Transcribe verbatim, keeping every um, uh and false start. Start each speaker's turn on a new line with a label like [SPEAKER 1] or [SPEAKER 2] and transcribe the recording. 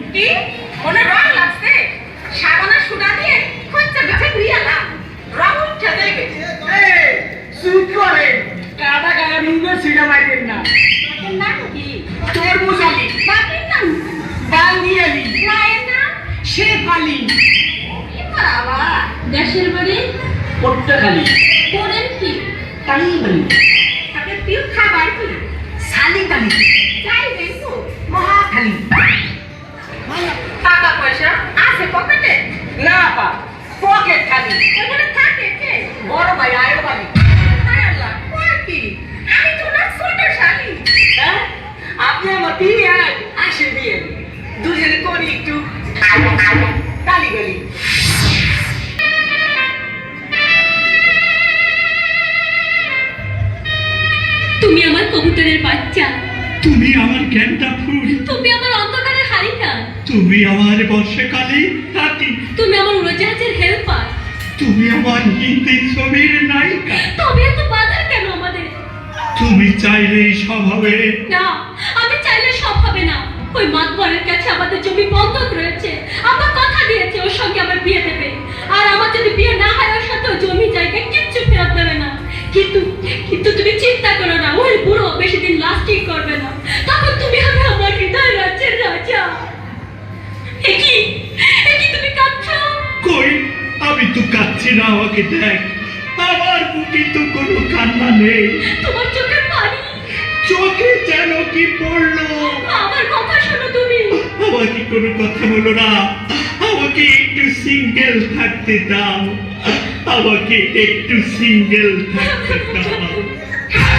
[SPEAKER 1] কি মনে রং লাগছে সাবানা সুদা দিয়ে খচ্চা বেছে ধুইয়ালাম রং উঠে যাবে
[SPEAKER 2] এই চুপ করে কাটা গায়ে মুখে সিনা মারবেন না
[SPEAKER 1] বাপের নাম কি
[SPEAKER 2] তরমুজ আলী
[SPEAKER 1] বাপের নাম
[SPEAKER 2] বাঙ্গি আলী
[SPEAKER 1] মায়ের নাম
[SPEAKER 2] শেখ আলী
[SPEAKER 1] কি বাবা
[SPEAKER 3] দেশের বাড়ি
[SPEAKER 2] পট্টাখালী
[SPEAKER 3] করেন কি
[SPEAKER 2] কালীবাড়ি
[SPEAKER 1] তাকে প্রিয় খাবার কি
[SPEAKER 2] শালিবাড়ি
[SPEAKER 1] যাই দেখো
[SPEAKER 2] মহাখালী
[SPEAKER 1] টাকা পয়সা আছে পকেটে
[SPEAKER 2] না পা পকেট খালি
[SPEAKER 1] ওখানে থাকে কে
[SPEAKER 2] বড় ভাই আয়ো বাড়ি
[SPEAKER 1] হায় আল্লাহ কয় কি আমি তো না ছোট শালি
[SPEAKER 2] হ্যাঁ আপনি আমার বিয়ে আসে বিয়ে দুজনে করি একটু কালীবাড়ি
[SPEAKER 3] তুমি আমার কবুতরের বাচ্চা,
[SPEAKER 4] তুমি আমার গেন্দা ফুল,
[SPEAKER 3] তুমি আমার অন্ধকারের হারিকা,
[SPEAKER 4] তুমি আমার বর্ষাকালে হাতি,
[SPEAKER 3] তুমি আমার উড়োজাহাজের হেল্পার।
[SPEAKER 4] তুমি আমার হিন্দি ছবির নায়িকা।
[SPEAKER 3] তবে এত বাধা কেন আমাদের?
[SPEAKER 4] তুমি চাইলে সব হবে।
[SPEAKER 3] না, আমি চাইলে সব হবে না। ওই মাতবরের কাছে আমাদের জমি বন্ধক রয়েছে। আমার কথা দিয়েছে ওর সঙ্গে আমার বিয়ে দেবে, আর আমার যদি বিয়ে না হয় ওর সাথে জমি জায়গা কিচ্ছু ফেরত দেবে না। কিন্তু কিন্তু তুমি চিন্তা করো না, ওই বুড়ো বেশি দিন লাস্টিং করবে না। তখন তুমি হবে আমার হৃদয় রাজ্যের রাজা। একই একই তুমি কাঁদছো?
[SPEAKER 4] কই, আমি তো কাচ্ছি না, আমাকে দেখ। আমার বুকে তো কোনো কান্না নেই,
[SPEAKER 3] তোমার চোখের পানি।
[SPEAKER 4] চোখে যেন কি পড়লো।
[SPEAKER 3] আমার কথা শোনো তুমি।
[SPEAKER 4] আমাকে কোনো কথা বলো না, আমাকে একটু সিঙ্গেল থাকতে দাও, আমাকে একটু সিঙ্গেল থাকতে দাও।